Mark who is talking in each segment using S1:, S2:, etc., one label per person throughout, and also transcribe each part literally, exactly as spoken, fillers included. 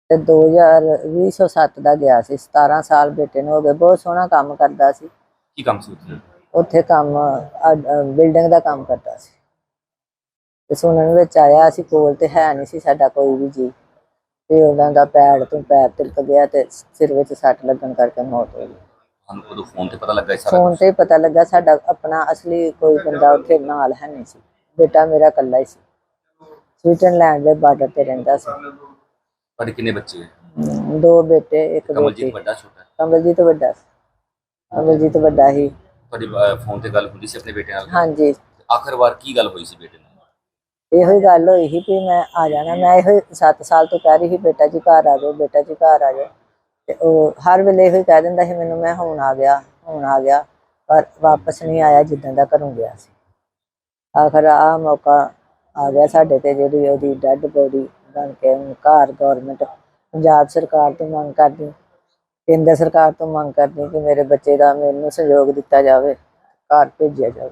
S1: ਤੇ ਦੋ ਹਜ਼ਾਰ ਵੀਹ सौ सत्त ਦਾ ਗਿਆ ਸੀ। सतारह ਸਾਲ ਬੇਟੇ ਨੂੰ ਹੋ ਗਏ। ਬਹੁਤ ਸੋਹਣਾ ਕੰਮ ਕਰਦਾ ਸੀ।
S2: ਕੀ ਕੰਮ ਸੀ ਉੱਥੇ?
S1: ਉੱਥੇ ਕੰਮ ਬਿਲਡਿੰਗ ਦਾ ਕੰਮ ਕਰਦਾ ਸੀ। ਤੇ ਸੁਣਨ ਵਿੱਚ ਆਇਆ, ਅਸੀਂ ਕੋਲ ਤੇ ਹੈ ਨਹੀਂ ਸੀ ਸਾਡਾ ਕੋਈ ਵੀ ਜੀ, ਤੇ ਉਹਨਾਂ ਦਾ ਪੈਰ ਤੋਂ ਪੈਰ ਤਿਲਕ ਗਿਆ ਤੇ ਸਿਰ ਵਿੱਚ ਸੱਟ ਲੱਗਣ ਕਰਕੇ ਮੌਤ ਹੋ ਗਈ।
S2: ਸਾਨੂੰ ਉਦੋਂ ਫੋਨ ਤੇ ਪਤਾ ਲੱਗਾ ਇਹ ਸਾਰਾ
S1: ਫੋਨ
S2: ਕੁਛ?
S1: ਤੇ ਪਤਾ ਲੱਗਾ। ਸਾਡਾ ਆਪਣਾ ਅਸਲੀ ਕੋਈ ਬੰਦਾ ਉੱਥੇ ਨਾਲ ਹੈ ਨਹੀਂ ਸੀ। ਬੇਟਾ ਮੇਰਾ ਇਕੱਲਾ ਹੀ ਸੀ। ਸਵਿਟਜ਼ਰਲੈਂਡ ਦੇ ਬਾਰਡਰ ਤੇ ਰਹਿੰਦਾ ਸੀ।
S2: ਤੁਹਾਡੇ ਕਿੰਨੇ ਬੱਚੇ?
S1: ਹਮ, ਦੋ ਬੇਟੇ ਇੱਕ ਬੇਟੀ।
S2: ਕਮਲਜੀਤ ਵੱਡਾ ਛੋਟਾ?
S1: ਕਮਲਜੀਤ ਵੱਡਾ ਸੀ। ਕਮਲਜੀਤ ਵੱਡਾ ਹੀ।
S2: ਤੁਹਾਡੀ ਫੋਨ ਤੇ ਗੱਲ ਹੁੰਦੀ ਸੀ ਆਪਣੇ ਬੇਟੇ ਨਾਲ?
S1: ਹਾਂਜੀ।
S2: ਆਖਰ ਵਾਰ ਕੀ ਗੱਲ ਹੋਈ ਸੀ ਬੇਟੇ ਨਾਲ?
S1: ਇਹੋ ਹੀ ਗੱਲ ਹੋਈ ਸੀ ਵੀ ਮੈਂ ਆ ਜਾਣਾ। ਮੈਂ ਇਹੋ ਸੱਤ ਸਾਲ ਤੋਂ ਕਹਿ ਰਹੀ ਸੀ ਬੇਟਾ ਜੀ ਘਰ ਆ ਜਾਓ, ਬੇਟਾ ਜੀ ਘਰ ਆ ਜਾਓ। ਤੇ ਉਹ ਹਰ ਵੇਲੇ ਇਹੋ ਹੀ ਕਹਿ ਦਿੰਦਾ ਸੀ ਮੈਨੂੰ, ਮੈਂ ਹੁਣ ਆ ਗਿਆ, ਹੁਣ ਆ ਗਿਆ, ਪਰ ਵਾਪਸ ਨਹੀਂ ਆਇਆ ਜਿੱਦਾਂ ਦਾ ਘਰੋਂ ਗਿਆ ਸੀ। ਆਖਰ ਆਹ ਮੌਕਾ ਆ ਗਿਆ ਸਾਡੇ ਤੇ, ਜਿਹੜੀ ਉਹਦੀ ਡੈਡ ਬੋਡੀ ਬਣ ਕੇ ਹੁਣ ਘਰ ਗੌਰਮੈਂਟ ਪੰਜਾਬ ਸਰਕਾਰ ਤੋਂ ਮੰਗ ਕਰਦੀ, ਕੇਂਦਰ ਸਰਕਾਰ ਤੋਂ ਮੰਗ ਕਰਦੀ ਕਿ ਮੇਰੇ ਬੱਚੇ ਦਾ ਮੈਨੂੰ ਸਹਿਯੋਗ ਦਿੱਤਾ ਜਾਵੇ, ਘਰ ਭੇਜਿਆ ਜਾਵੇ।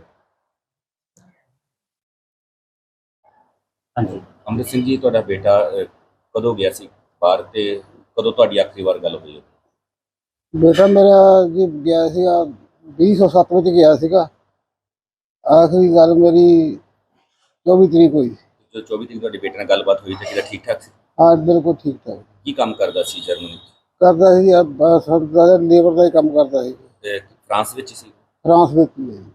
S2: ਹਾਂਜੀ ਅੰਮ੍ਰਿਤ ਸਿੰਘ ਜੀ, ਤੁਹਾਡਾ ਬੇਟਾ ਕਦੋਂ ਗਿਆ ਸੀ ਬਾਹਰ ਤੇ ਕਦੋਂ ਤੁਹਾਡੀ ਆਖਰੀ ਵਾਰ ਗੱਲ ਹੋਈ?
S3: ਬੇਟਾ ਮੇਰਾ ਜੀ ਗਿਆ ਸੀਗਾ ਵੀਹ ਸੌ ਸੱਤ ਵਿੱਚ ਗਿਆ ਸੀਗਾ। ਆਖਰੀ ਗੱਲ ਮੇਰੀ ਚੌਵੀ ਤਰੀਕ ਹੋਈ।
S2: ਜੋ ਚੌਵੀ ਤਰੀਕ ਤੁਹਾਡੇ ਬੇਟੇ ਨਾਲ ਗੱਲਬਾਤ ਹੋਈ ਤੇ ਕਿਹੜਾ ਠੀਕ ਠਾਕ ਸੀ?
S3: ਹਾਂ ਬਿਲਕੁਲ ਠੀਕ ਠਾਕ।
S2: ਕੀ ਕੰਮ ਕਰਦਾ ਸੀ ਜਰਮਨੀ?
S3: ਕਰਦਾ ਸੀ ਲੇਬਰ ਦਾ ਹੀ ਕੰਮ ਕਰਦਾ ਸੀ।
S2: ਤੇ ਫਰਾਂਸ ਵਿੱਚ ਸੀ?
S3: ਫਰਾਂਸ ਵਿੱਚ ਹੀ ਹੈ।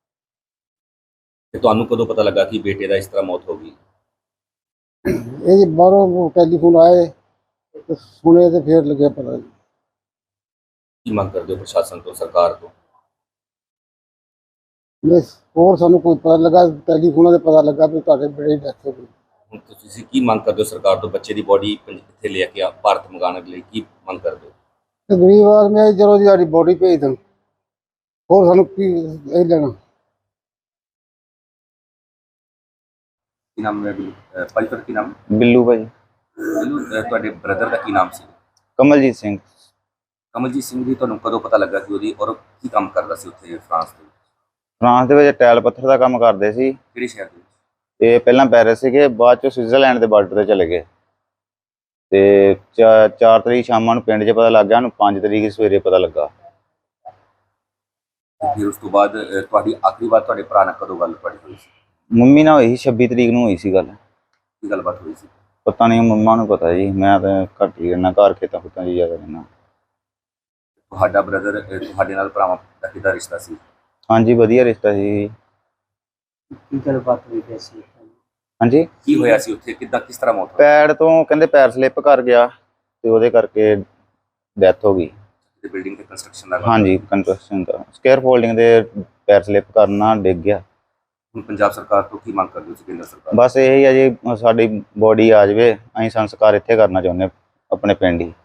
S2: ਤੇ ਤੁਹਾਨੂੰ ਕਦੋਂ ਪਤਾ ਲੱਗਾ ਕਿ ਬੇਟੇ ਦਾ ਇਸ ਤਰ੍ਹਾਂ ਮੌਤ ਹੋ ਗਈ?
S3: ਇਹ ਜੀ ਬਾਹਰੋਂ ਟੈਲੀਫੋਨ ਆਏ ਤੇ ਸੁਣੇ ਤੇ ਫਿਰ ਲੱਗਿਆ ਪਤਾ ਜੀ।
S2: ਕੀ ਮੰਗ ਕਰਦੇ ਹੋ ਪ੍ਰਸ਼ਾਸਨ ਤੋਂ, ਸਰਕਾਰ ਤੋਂ?
S3: ਬਸ ਹੋਰ ਸਾਨੂੰ ਕੋਈ ਪਤਾ ਲੱਗਾ, ਟੈਲੀਫੋਨਾਂ ਤੇ ਪਤਾ ਲੱਗਾ ਵੀ ਤੁਹਾਡੇ ਬੇਟੇ ਦੀ ਡੈਥ ਹੋ ਗਈ।
S2: ਹੁਣ ਤੁਸੀਂ ਕੀ ਮੰਗ ਕਰਦੇ ਹੋ ਸਰਕਾਰ ਤੋਂ? ਬੱਚੇ ਦੀ ਬੋਡੀ ਇੱਥੇ ਲੈ ਕੇ ਆ ਭਾਰਤ ਮੰਗਾਉਣ ਲਈ ਕੀ ਮੰਗ ਕਰਦੇ ਹੋ?
S3: ਤੇ ਗਰੀਬ ਆਦਮੀ ਆ, ਚਲੋ ਜੀ ਸਾਡੀ ਬੋਡੀ ਭੇਜ ਦੇਣ, ਹੋਰ ਸਾਨੂੰ ਕੀ ਇਹ ਲੈਣਾ।
S2: ਕੀ ਨਾਮ ਹੈ ਭਾਈ? ਤੁਹਾਡਾ ਕੀ ਨਾਮ?
S4: ਬਿੱਲੂ ਭਾਜੀ।
S2: ਬਿੱਲੂ, ਤੁਹਾਡੇ ਬ੍ਰਦਰ ਦਾ ਕੀ ਨਾਮ ਸੀ?
S4: ਕਮਲਜੀਤ ਸਿੰਘ।
S2: ਕਮਲਜੀਤ ਸਿੰਘ ਜੀ, ਤੁਹਾਨੂੰ ਕਦੋਂ ਪਤਾ ਲੱਗਾ ਕਿ ਉਹਦੀ, ਔਰ ਕੀ ਕੰਮ ਕਰਦਾ ਸੀ ਉੱਥੇ ਫਰਾਂਸ ਦੇ ਵਿੱਚ?
S4: ਫਰਾਂਸ ਦੇ ਵਿੱਚ ਟਾਇਲ ਪੱਥਰ ਦਾ ਕੰਮ ਕਰਦੇ ਸੀ।
S2: ਕਿਹੜੇ ਸ਼ਹਿਰ ਦੇ ਵਿੱਚ?
S4: ਤੇ ਪਹਿਲਾਂ ਪੈਰਿਸ ਸੀਗੇ, ਬਾਅਦ ਚ ਸਵਿਟਜ਼ਰਲੈਂਡ ਦੇ ਬਾਰਡਰ ਤੇ ਚਲੇ ਗਏ। ਤੇ ਚਾਰ ਤਰੀਕ ਸ਼ਾਮਾਂ ਨੂੰ ਪਿੰਡ 'ਚ ਪਤਾ ਲੱਗ ਗਿਆ, ਉਹਨੂੰ ਪੰਜ ਤਰੀਕ ਸਵੇਰੇ ਪਤਾ ਲੱਗਾ।
S2: ਫਿਰ ਉਸ ਤੋਂ ਬਾਅਦ ਤੁਹਾਡੀ ਆਖਰੀ ਵਾਰ ਤੁਹਾਡੇ ਭਰਾ ਨਾਲ ਕਦੋਂ ਗੱਲ ਤੁਹਾਡੀ ਹੋਈ ਸੀ?
S4: ਮੰਮੀ ਨਾਲ ਹੋਈ ਸੀ, ਛੱਬੀ ਤਰੀਕ ਨੂੰ ਹੋਈ ਸੀ ਗੱਲ।
S2: ਕੀ ਗੱਲਬਾਤ ਹੋਈ ਸੀ?
S4: ਪਤਾ ਨਹੀਂ, ਮੰਮਾ ਨੂੰ ਪਤਾ ਜੀ, ਮੈਂ ਤਾਂ ਘੱਟ ਹੀ ਰਹਿਣਾ, ਘਰ ਖੇਤਾਂ ਖੁੱਤਾਂ 'ਚ ਜ਼ਿਆਦਾ ਰਹਿਣਾ।
S2: ਤੁਹਾਡਾ ਬ੍ਰਦਰ ਤੁਹਾਡੇ ਨਾਲ ਭਰਾਵਾਂ ਦਾ ਕਿਹਦਾ ਰਿਸ਼ਤਾ ਸੀ?
S4: ਹਾਂਜੀ ਵਧੀਆ ਰਿਸ਼ਤਾ ਸੀ।
S3: ਕੀ ਗੱਲਬਾਤ ਹੋਈ ਸੀ?
S4: ਹਾਂਜੀ
S2: ਕੀ ਹੋਇਆ ਸੀ ਉੱਥੇ? ਕਿੱਦਾਂ, ਕਿਸ ਤਰ੍ਹਾਂ ਮੌਤ ਹੋਈ?
S4: ਪੈਰ ਤੋਂ ਕਹਿੰਦੇ ਪੈਰ ਸਲਿੱਪ ਕਰ ਗਿਆ ਤੇ ਉਹਦੇ ਕਰਕੇ ਡੈਥ ਹੋ ਗਈ।
S2: ਬਿਲਡਿੰਗ ਤੇ ਕੰਸਟਰਕਸ਼ਨ ਦਾ?
S4: ਹਾਂਜੀ ਕੰਸਟਰਕਸ਼ਨ ਦਾ, ਸਕੇਅਰ ਫੋਲਡਿੰਗ ਦੇ ਪੈਰ ਸਲਿੱਪ ਕਰਨਾ ਡਿੱਗ ਗਿਆ।
S2: ਹੁਣ ਪੰਜਾਬ ਸਰਕਾਰ ਤੋਂ ਕੀ ਮੰਗ ਕਰਦੇ ਹੋ? ਕੇਂਦਰ ਸਰਕਾਰ?
S4: ਬਸ ਇਹ ਹੀ ਆ ਜੀ, ਸਾਡੀ ਬੋਡੀ ਆ ਜਾਵੇ, ਅਸੀਂ ਸੰਸਕਾਰ ਇੱਥੇ ਕਰਨਾ ਚਾਹੁੰਦੇ ਆਪਣੇ ਪਿੰਡ ਹੀ।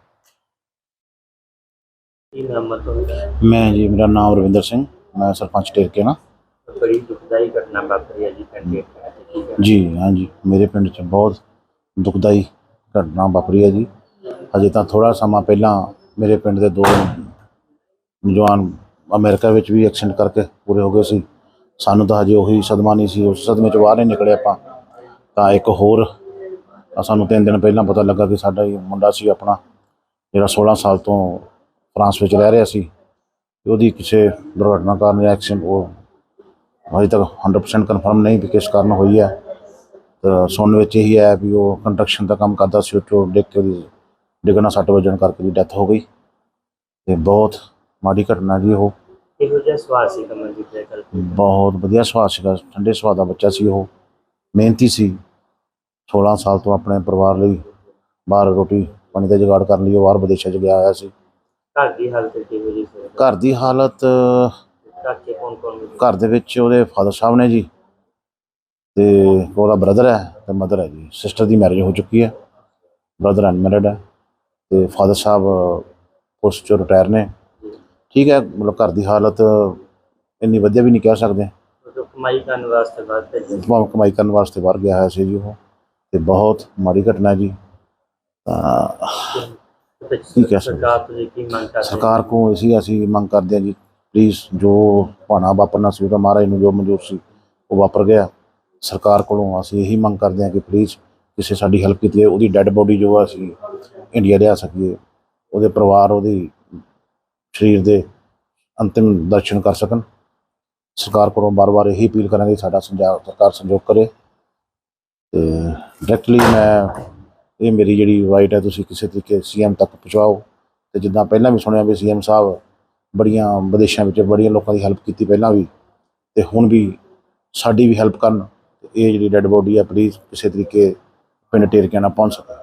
S5: ਮੈਂ ਜੀ, ਮੇਰਾ ਨਾਮ ਰਵਿੰਦਰ ਸਿੰਘ, ਮੈਂ ਸਰਪੰਚ ਢੇਰਕੇ ਨਾ।
S6: ਬੜੀ ਦੁਖਦਾਈ ਘਟਨਾ ਵਾਪਰੀ ਹੈ ਜੀ ਪਿੰਡ
S5: ਜੀ। ਹਾਂਜੀ, ਮੇਰੇ ਪਿੰਡ 'ਚ ਬਹੁਤ ਦੁਖਦਾਈ ਘਟਨਾ ਵਾਪਰੀ ਹੈ ਜੀ। ਹਜੇ ਤਾਂ ਥੋੜ੍ਹਾ ਸਮਾਂ ਪਹਿਲਾਂ ਮੇਰੇ ਪਿੰਡ ਦੇ ਦੋ ਨੌਜਵਾਨ ਅਮਰੀਕਾ ਵਿੱਚ ਵੀ ਐਕਸੀਡੈਂਟ ਕਰਕੇ ਪੂਰੇ ਹੋ ਗਏ ਸੀ। ਸਾਨੂੰ ਤਾਂ ਹਜੇ ਉਹੀ ਸਦਮਾ ਨਹੀਂ ਸੀ, ਉਸ ਸਦਮੇ 'ਚ ਬਾਹਰ ਨਹੀਂ ਨਿਕਲੇ ਆਪਾਂ। ਤਾਂ ਇੱਕ ਹੋਰ ਸਾਨੂੰ ਤਿੰਨ ਦਿਨ ਪਹਿਲਾਂ ਪਤਾ ਲੱਗਾ ਕਿ ਸਾਡਾ ਹੀ ਮੁੰਡਾ ਸੀ ਆਪਣਾ, ਜਿਹੜਾ ਸੋਲ੍ਹਾਂ ਸਾਲ ਤੋਂ ਫਰਾਂਸ ਵਿੱਚ ਰਹਿ ਰਿਹਾ ਸੀ। ਉਹਦੀ ਕਿਸੇ ਦੁਰਘਟਨਾ ਕਾਰਨ ਐਕਸੀਡੈਂਟ, ਉਹ ਅਜੇ ਤੱਕ ਹੰਡਰਡ ਪਰਸੈਂਟ ਕਨਫਰਮ ਨਹੀਂ ਵੀ ਕਿਸ ਕਾਰਨ ਹੋਈ ਹੈ। ਤਾਂ ਸੁਣਨ ਵਿੱਚ ਇਹੀ ਹੈ ਵੀ ਉਹ ਕੰਸਟਰਕਸ਼ਨ ਦਾ ਕੰਮ ਕਰਦਾ ਸੀ, ਉਹ ਡਿੱਗ ਕੇ ਉਹਦੀ ਡਿੱਗਣਾ ਸੱਟ ਵੱਜਣ ਕਰਕੇ ਵੀ ਡੈਥ ਹੋ ਗਈ। ਅਤੇ ਬਹੁਤ ਮਾੜੀ ਘਟਨਾ ਜੀ ਉਹ।
S6: ਇਹੋ ਜਿਹਾ ਸੁਭਾਅ ਸੀ ਕਮਲਜੀਤ ਦਾ?
S5: ਬਹੁਤ ਵਧੀਆ ਸੁਭਾਅ ਸੀਗਾ, ਠੰਡੇ ਸੁਭਾਅ ਦਾ ਬੱਚਾ ਸੀ ਉਹ, ਮਿਹਨਤੀ ਸੀ। ਸੋਲ੍ਹਾਂ ਸਾਲ ਤੋਂ ਆਪਣੇ ਪਰਿਵਾਰ ਲਈ ਬਾਹਰ ਰੋਟੀ ਪਾਣੀ ਦਾ ਜੁਗਾੜ ਕਰਨ ਲਈ ਉਹ ਬਾਹਰ ਵਿਦੇਸ਼ਾਂ 'ਚ ਗਿਆ ਹੋਇਆ ਸੀ।
S6: ਘਰ ਦੀ ਹਾਲਤ ਕਿਹੋ ਜਿਹੀ ਸੀ?
S5: ਘਰ ਦੀ ਹਾਲਤ, ਘਰ ਦੇ ਵਿੱਚ ਉਹਦੇ ਫਾਦਰ ਸਾਹਿਬ ਨੇ ਜੀ, ਅਤੇ ਉਹਦਾ ਬ੍ਰਦਰ ਹੈ ਅਤੇ ਮਦਰ ਹੈ ਜੀ। ਸਿਸਟਰ ਦੀ ਮੈਰਿਜ ਹੋ ਚੁੱਕੀ ਹੈ, ਬ੍ਰਦਰ ਅਨਮੈਰਿਡ ਹੈ, ਅਤੇ ਫਾਦਰ ਸਾਹਿਬ ਪੋਸਟ 'ਚੋਂ ਰਿਟਾਇਰ ਨੇ। ਠੀਕ ਹੈ, ਮਤਲਬ ਘਰ ਦੀ ਹਾਲਤ ਇੰਨੀ ਵਧੀਆ ਵੀ ਨਹੀਂ ਕਹਿ ਸਕਦੇ।
S6: ਕਮਾਈ ਕਰਨ ਵਾਸਤੇ ਬਾਹਰ
S5: ਕਮਾਈ ਕਰਨ ਵਾਸਤੇ ਬਾਹਰ ਗਿਆ ਹੋਇਆ ਸੀ ਜੀ ਉਹ, ਅਤੇ ਬਹੁਤ ਮਾੜੀ ਘਟਨਾ ਜੀ। ਤਾਂ ਕੀ ਕਹਿ ਸਕਦੇ, ਸਰਕਾਰ ਕੋਲ ਅਸੀਂ ਅਸੀਂ ਮੰਗ ਕਰਦੇ ਹਾਂ ਜੀ, ਪਲੀਜ਼ ਜੋ ਭਾਣਾ ਵਾਪਰਨਾ ਸੀ ਉਹਦਾ ਮਹਾਰਾਜ ਨੂੰ ਜੋ ਮਨਜ਼ੂਰ ਸੀ ਉਹ ਵਾਪਰ ਗਿਆ। ਸਰਕਾਰ ਕੋਲੋਂ ਅਸੀਂ ਇਹੀ ਮੰਗ ਕਰਦੇ ਹਾਂ ਕਿ ਪਲੀਜ਼ ਕਿਸੇ ਸਾਡੀ ਹੈਲਪ ਕੀਤੀ ਹੈ, ਉਹਦੀ ਡੈੱਡ ਬੋਡੀ ਜੋ ਅਸੀਂ ਇੰਡੀਆ ਲਿਆ ਸਕੀਏ, ਉਹਦੇ ਪਰਿਵਾਰ ਉਹਦੀ ਸਰੀਰ ਦੇ ਅੰਤਿਮ ਦਰਸ਼ਨ ਕਰ ਸਕਣ। ਸਰਕਾਰ ਕੋਲੋਂ ਬਾਰ-ਬਾਰ ਇਹੀ ਅਪੀਲ ਕਰਾਂਗੇ, ਸਾਡਾ ਸੰਜਾ ਸਰਕਾਰ ਸੰਯੋਗ ਕਰੇ। ਤੇ ਡਾਇਰੈਕਟਲੀ ਮੈਂ ਇਹ ਮੇਰੀ ਜਿਹੜੀ ਵਾਈਟ ਹੈ ਤੁਸੀਂ ਕਿਸੇ ਤਰੀਕੇ ਸੀ ਐਮ ਤੱਕ ਪਹੁੰਚਾਓ। ਤੇ ਜਿੱਦਾਂ ਪਹਿਲਾਂ ਵੀ ਸੁਣਿਆ ਵੀ ਸੀ ਐਮ ਸਾਹਿਬ ਬੜੀਆਂ ਵਿਦੇਸ਼ਾਂ ਵਿੱਚ ਬੜੀਆਂ ਲੋਕਾਂ ਦੀ ਹੈਲਪ ਕੀਤੀ ਪਹਿਲਾਂ ਵੀ, ਤੇ ਹੁਣ ਵੀ ਸਾਡੀ ਵੀ ਹੈਲਪ ਕਰਨ। ਇਹ ਜਿਹੜੀ ਡੈੱਡ ਬੋਡੀ ਆ ਪਲੀਜ਼ ਕਿਸੇ ਤਰੀਕੇ ਪਿੰਡ ਟੇਰਕਿਆਂ ਨਾਲ ਪਹੁੰਚ ਸਕੇ।